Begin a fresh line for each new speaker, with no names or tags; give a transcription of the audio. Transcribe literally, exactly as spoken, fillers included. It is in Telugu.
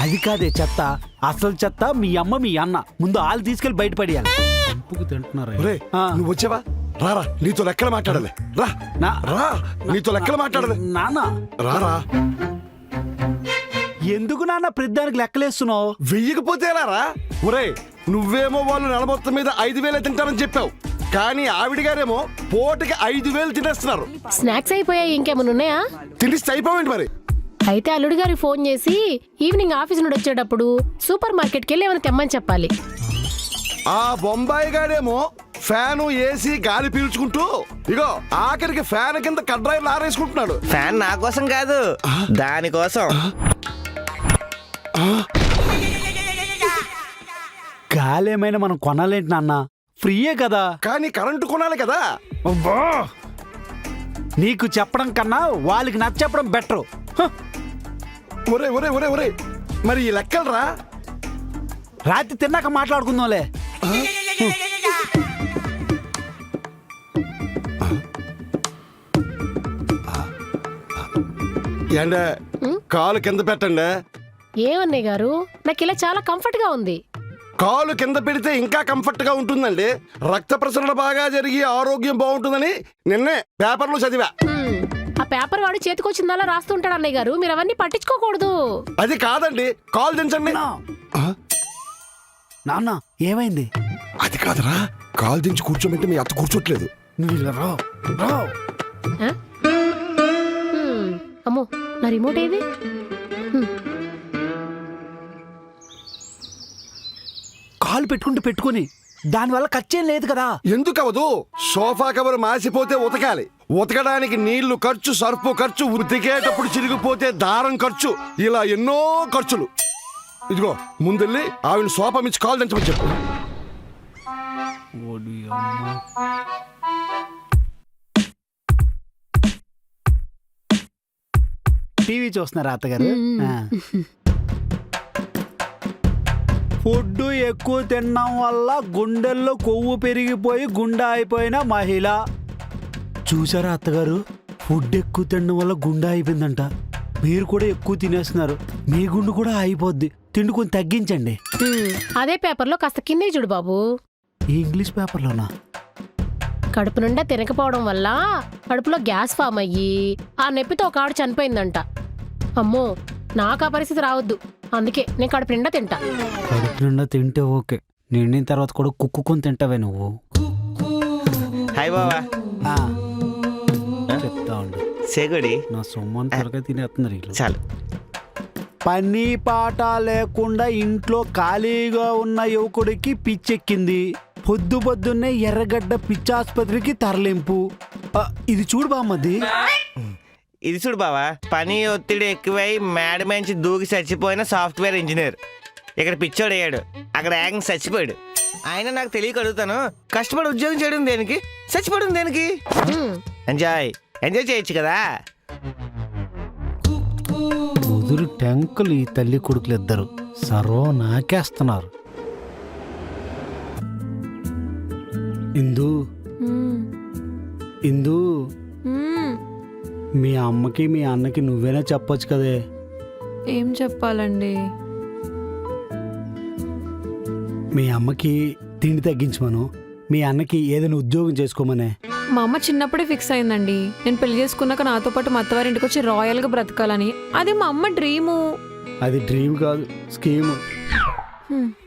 అది కాదే చెత్త, అసలు చెత్త మీ అమ్మ మీ అన్న. ముందు వాళ్ళు తీసుకెళ్లి బయటపడేయాలి. చంపుకు తింటున్నారా?
నువ్వు వచ్చావా? రారా, నీతో లెక్కలు మాట్లాడాలి. రా రా, నీతో లెక్కలు మాట్లాడాలి.
నాన్న
రారా.
ఎందుకు నాన్న ప్రతిదానికి లెక్కలేస్తున్నావు?
వెయ్యకపోతే రారా. ఒరే, నువ్వేమో వాళ్ళు నెల మొత్తం మీద ఐదు వేలే తింటారని చెప్పావు, కానీ ఆవిడ గారేమో పూటకి ఐదు వేలు తినేస్తున్నారు.
స్నాక్స్ అయిపోయాయి, ఇంకేమైనా ఉన్నాయా?
తినేసి అయిపోయింది మరి.
అయితే అల్లుడి గారికి ఫోన్ చేసి ఈవినింగ్ ఆఫీస్ నుండి వచ్చేటప్పుడు సూపర్ మార్కెట్కి వెళ్ళి ఏమైనా తెమ్మని చెప్పాలి.
ఆ బొంబాయి గాడేమో ఫ్యాను ఏసీ గాలి పీల్చుకుంటూ ఇగో ఆఖరికి ఫ్యాన్ కింద కడ్రాయిలు ఆరేసుకుంటున్నాడు.
ఫ్యాన్ నా కోసం కాదు, దానికోసం.
గాలి ఏమైనా మనం కొనాలేంటి నాన్న? ఫ్రీయే కదా.
కానీ కరెంటు కొనాలి కదా.
అబ్బా, నీకు చెప్పడం కన్నా వాళ్ళకి నచ్చప్పడం బెటర్.
ఒరే ఒరే ఒరే ఒరే, మరి ఈ లెక్కలు రా.
రాత్రి తిన్నాక మాట్లాడుకుందాంలే.
ఏండే, కాలు కింద పెట్టండి.
ఏమన్నయ్య గారు, నాకు ఇలా చాలా కంఫర్ట్ గా ఉంది.
కాలు కింద పెడితే ఇంకా కంఫర్ట్ గా ఉంటుందండి. రక్త ప్రసరణ బాగా జరిగి ఆరోగ్యం బాగుంటుందని నిన్నే పేపర్లో చదివా.
హ్మ్, ఆ పేపర్ వాడు చేతికొచ్చిందలా రాస్తుంటాడు అన్నయ్య గారు, మీరు అవన్నీ పట్టించుకోకూడదు.
అది కాదండి, కాలు దించండి.
నాన్న ఏమైంది?
అది కాదురా, కాలు దించి కూర్చోమంటే మీ అత్త కూర్చోట్లేదు.
నువ్వు ఇలా రా, రా.
ఆ? హ్మ్, అమ్మో, నా రిమోట్ ఏది? హ్మ్.
కాలు పెట్టుకుంటూ పెట్టుకుని దానివల్ల ఖర్చేం లేదు కదా.
ఎందుకు అవదు? సోఫా కవర్ మాసిపోతే ఉతకాలి, ఉతకడానికి నీళ్లు ఖర్చు, సర్పు ఖర్చు, ఉతికేటప్పుడు చిరిగిపోతే దారం ఖర్చు, ఇలా ఎన్నో ఖర్చులు. ఇదిగో ముందెళ్ళి ఆవిడ సోఫా మించి కాలు దించమని చెప్పు.
టీవీ చూస్తున్నారా అత్తగారు? ఫుడ్ ఎక్కువ తినడం వల్ల గుండెల్లో కొవ్వు పెరిగిపోయి గుండె అయిపోయిన మహిళ. చూసారా అత్తగారు, ఫుడ్ ఎక్కువ తినడం వల్ల గుండె అయిపోయిందంట. మీరు కూడా ఎక్కువ తినేస్తున్నారు, మీ గుండు కూడా అయిపోద్ది. తిండి కొంచెం తగ్గించండి.
హ్మ్, అదే పేపర్లో కాస్త కిందే చూడు బాబు.
ఈ ఇంగ్లీష్ పేపర్లోనా?
కడుపు నిండా తినకపోవడం వల్ల కడుపులో గ్యాస్ ఫామ్ అయ్యి ఆ నొప్పితో ఒక ఆవిడ చనిపోయిందంట. అమ్మో, నాకు ఆ పరిస్థితి రావద్దు, అందుకే నేను కడుపు నిండా తింటా.
కడుపు నిండా తింటే ఓకే, నిండిన తర్వాత కూడా కుక్కుకొని తింటావే నువ్వు.
హాయ్ బావా.
ఆ, చెప్తా ఉండు.
సేగుడి
నా సొమ్మని త్వరగా తినేస్తున్నారు వీళ్ళు.
చాలు.
పని పాట లేకుండా ఇంట్లో ఖాళీగా ఉన్న యువకుడికి పిచ్చెక్కింది. పొద్దు పొద్దున్నే ఎర్రగడ్డ పిచ్చాసుపత్రికి తరలింపు. ఆ, ఇది చూడు బామ్మది.
ఇది చూడు బావా, పని ఒత్తిడి ఎక్కువై మేడ మంచి దూకి చచ్చిపోయిన సాఫ్ట్వేర్ ఇంజనీర్. ఇక్కడ పిచ్చోడు అయ్యాడు, అక్కడ ఏకంగా చచ్చిపోయాడు. ఆయన నాకు తెలియక అడుగుతాను, కష్టపడి ఉద్యోగం చేయడం దేనికి, చచ్చిపోవడం దేనికి? ఎంజాయ్ ఎంజాయ్ చేయొచ్చు కదా.
ముదురు టెంకులు ఈ తల్లి కొడుకులు ఇద్దరు సర్వం నాకేస్తున్నారు. ఇందు ఇందు, మీ అమ్మకి మీ అన్నకి నువ్వేనా చెప్పొచ్చు కదే.
ఏం చెప్పాలండి?
మీ అమ్మకి తిండి తగ్గించమను, మీ అన్నకి ఏదైనా ఉద్యోగం చేసుకోమనే.
మా అమ్మ చిన్నప్పుడే ఫిక్స్ అయిందండి, నేను పెళ్లి చేసుకున్నాక నాతో పాటు మా అత్తవారింటికి వచ్చి రాయల్గా బ్రతకాలని. అది మా అమ్మ డ్రీము.
అది డ్రీమ్ కాదు, స్కీము.
హ్మ్.